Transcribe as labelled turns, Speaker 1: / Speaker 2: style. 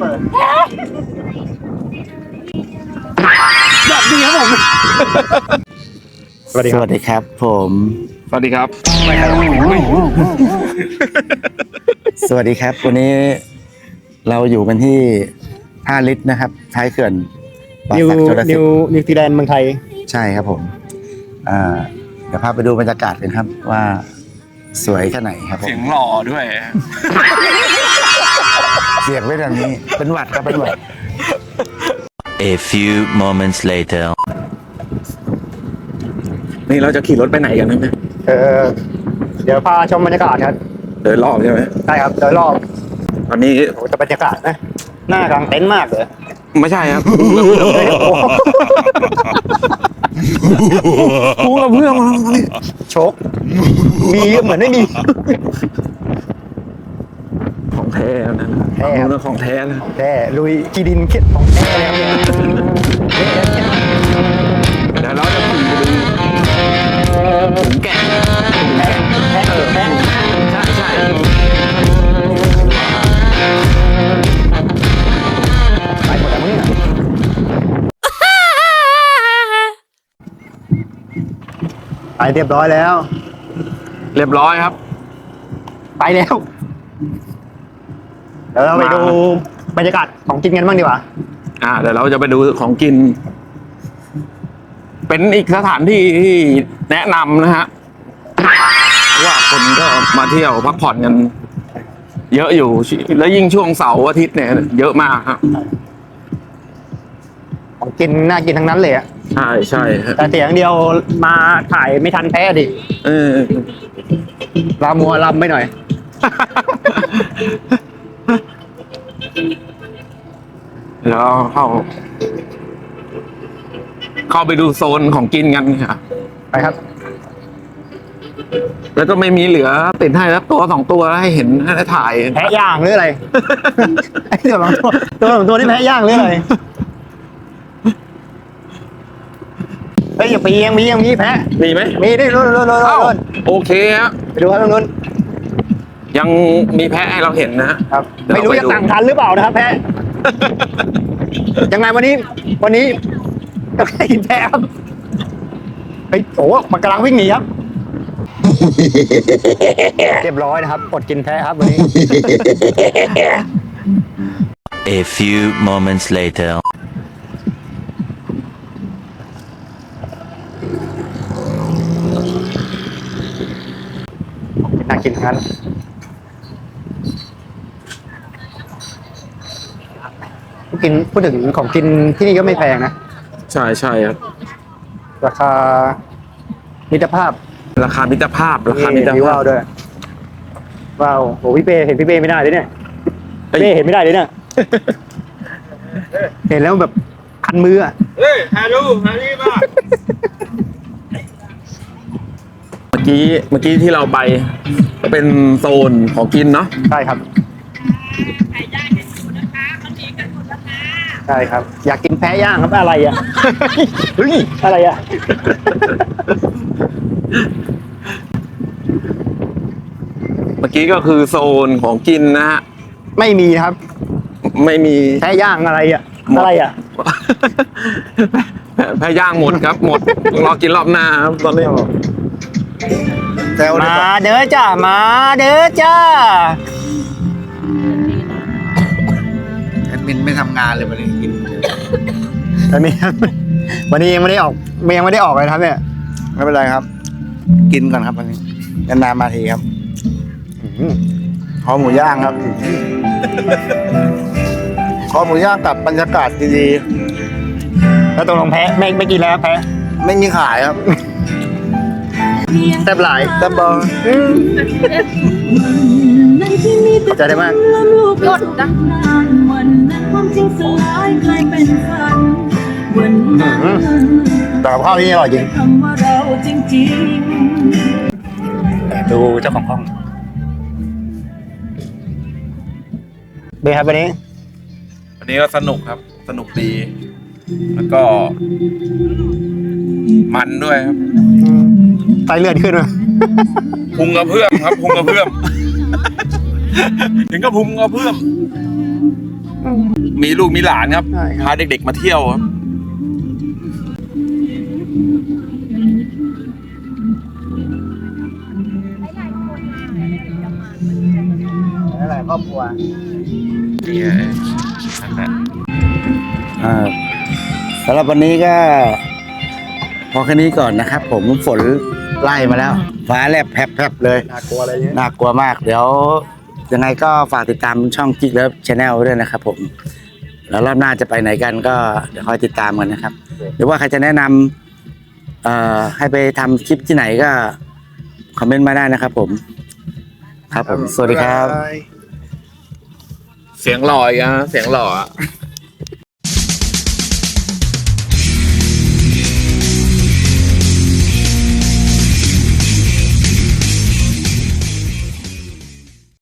Speaker 1: เปิดสวัสดีครับผมสวัสดีครับผม
Speaker 2: สวัสดีครับ
Speaker 1: สวัสดีครับวันนี้เราอยู่กันที่5 ลิตรนะครับท้ายเขื่อนป่าสักชลสิทธิ์
Speaker 3: นิวซีแลนด์เมืองไทย
Speaker 1: ใช่ครับผมเดี๋ยวพาไปดูบรรยากาศกันครับว่าสวยแค่ไหนครับผม
Speaker 2: เสียงหล่อด้วย
Speaker 1: เสียงไม่ดังนี้เป็นหวัดครับเป็นหวัด
Speaker 4: A few moments later
Speaker 2: นี่เราจะขี่รถไปไหนกันนะ
Speaker 3: เดี๋ยวพาชมบรรยากาศครับ
Speaker 2: เดินรอบใช่ไหม
Speaker 3: ใช่ครับโดยรอบ
Speaker 2: ตอนนี้
Speaker 3: โอ้แต่บรรยากาศนะหน้ากลางเต็นท์มากเลย
Speaker 2: ไม่ใช่ครับกูกับเพื่อนมา
Speaker 3: โชคมีเหมือนไม่มี
Speaker 2: ของแท้นะ
Speaker 3: แท้ครับ
Speaker 2: เรื่องของแท้นะ
Speaker 3: แท้ลุยกีดินเข็ดของแท้เลยครับ
Speaker 2: เดี๋ยวเราจะขี่ไปดูถุงแกะถุงแกะ
Speaker 3: แท้แท้
Speaker 2: ใช่ใช่
Speaker 3: ไปหมดแล้วมึงไปเรียบร้อยแล้ว
Speaker 2: เรียบร้อยครับ
Speaker 3: ไปแล้วเดี๋ยวเราไปดูบรรยากาศของกินกันบ้างดีกว่า
Speaker 2: เดี๋ยวเราจะไปดูของกิน เป็นอีกสถานที่ที่แนะนำนะฮะเพราะว่าคนก็มาเที่ยวพักผ่อนกัน เยอะอยู่แล้วยิ่งช่วงเสาร์อาทิตย์เนี่ยเยอะมากครับ
Speaker 3: ของกินน่ากินทั้งนั้นเลยอะ
Speaker 2: ใช่ใช่ฮะ
Speaker 3: แต่เสียงเดียวมาถ่ายไม่ทันแพ้ดิ
Speaker 2: เออ
Speaker 3: ลามัวลำไปหน่อย
Speaker 2: แล้วเข้าไปดูโซนของกินกันค่ะ
Speaker 3: ไปครับ
Speaker 2: แล้วก็ไม่มีเหลือติดให้แล้วตัว2 ตัวให้เห็นให้ถ่าย
Speaker 3: แพะย่างหรืออะไร ไอ้ตัวสองตัวนี่แพะย่างหรืออะไรเฮ้ยอย่าไปมีแพะ
Speaker 2: มีไหม
Speaker 3: มีดิรุ่น
Speaker 2: เอ้าโอเคฮะ
Speaker 3: ไปดูครับตรงนู้น
Speaker 2: ยังมีแพะให้เราเห็นนะฮะ
Speaker 3: ครับ
Speaker 2: เดี๋ยว
Speaker 3: ไม่รู้
Speaker 2: เราไป
Speaker 3: จะ
Speaker 2: ดู
Speaker 3: สั่งทันหรือเปล่านะครับแพะ ยังไงวันนี้จะให้กินแพะครับเฮ้ยโอ้มันกำลังวิ่งหนีครับ เรียบร้อยนะครับอดกินแพะครับวันนี้
Speaker 4: A few moments later
Speaker 3: น่ากินทั้งนั้นพูดถึงของกินที่นี่ก็ไม่แพงนะ
Speaker 2: ใช่ใช่ครับ
Speaker 3: ราคามิตรภาพ
Speaker 2: ราคามิตรภาพราคามิตร
Speaker 3: มี
Speaker 2: ภา
Speaker 3: ว้า
Speaker 2: พ
Speaker 3: วด้วยว้าวโหพี่เป้เห็นพี่เป้ไม่ได้เลยเนี่ย
Speaker 2: เฮ้ย
Speaker 3: เป้เห็นไม่ได้เลยเนี่ย เห็นแล้วแบบคันมืออ่ะ
Speaker 2: เฮ้ยฮานี่มาเมื่อกี้ที่เราไปก็เป็นโซนของกินเนาะ
Speaker 3: ใช่ครับใช่ครับ อยากกินแพะย่างครับอะไรอ่ะ เฮ้ยอะไรอ่ะ
Speaker 2: เมื่อกี้ก็คือโซนของกินนะฮะ
Speaker 3: ไม่มีครับ
Speaker 2: ไม่มี
Speaker 3: แพะย่างอะไรอ่ะ
Speaker 2: หมด
Speaker 3: อะไรอ่ะ
Speaker 2: แพ้ย่างหมดครับ หมดรอกินรอบหน้าครับตอนนี้
Speaker 3: มาเด้อจ้ามาเด้อจ้า
Speaker 1: แอดมินไม่ทำงานเลยวันนี้กิน
Speaker 3: วันนี้ยังไม่ได้ออกเลยครับเนี่ย
Speaker 1: ไม่เป็นไรครับ กินก่อนครับวันนี้นานๆมาทีครับคอหมูย่างครับคอหมูย่างกับบรรยากาศดี
Speaker 3: แล้วตกลงแพะไม่กินแล้วแพะ
Speaker 1: ๆไม่มีขายครับ
Speaker 3: แซ่บหลาย
Speaker 1: แต่บอล
Speaker 3: ขอบใจได้มาก
Speaker 5: กดดังวันนั้นความจริงสลายกลายเป็นฝันวันนั้น
Speaker 3: แต่กับข้าวที่นี่อร่อยจริง
Speaker 5: คำว่าเราจริง
Speaker 3: ดูเจ้าของห้องเบครับวันนี้
Speaker 2: วันนี้ก็สนุกครับ สนุกดี แล้วก็มันด้วยครับ
Speaker 3: ไตเลือดขึ้นมา
Speaker 2: พุงกระเพื่อมครับพุงกระเพื่อม ถึงก็พุงกระเพื่อมมีลูกมีหลานครับ
Speaker 3: ใช่ครับ
Speaker 2: พาเด็กๆมาเที่ยวครับ
Speaker 3: หลายครอบครัว
Speaker 2: นี่ไงนั่นแหละ
Speaker 1: สำหรับวันนี้ก็พอแค่นี้ก่อนนะครับ ผมฝนไล่มาแล้ว ฟ้าแลบแผบๆเลย
Speaker 3: น่ากลัวอะไรเงี้ย
Speaker 1: น่ากลัวมาก เดี๋ยวยังไงก็ฝากติดตามช่องกิ๊กเลิฟชาแนลด้วยนะครับผมแล้วรอบหน้าจะไปไหนกันก็เดี๋ยวคอยติดตามกันนะครับ หรือว่าใครจะแนะนำให้ไปทำคลิปที่ไหนก็คอมเมนต์มาได้นะครับผม ครับผม สวัสดีครับ
Speaker 2: เสียงหล่ออีกอะเสียงหล่ออะ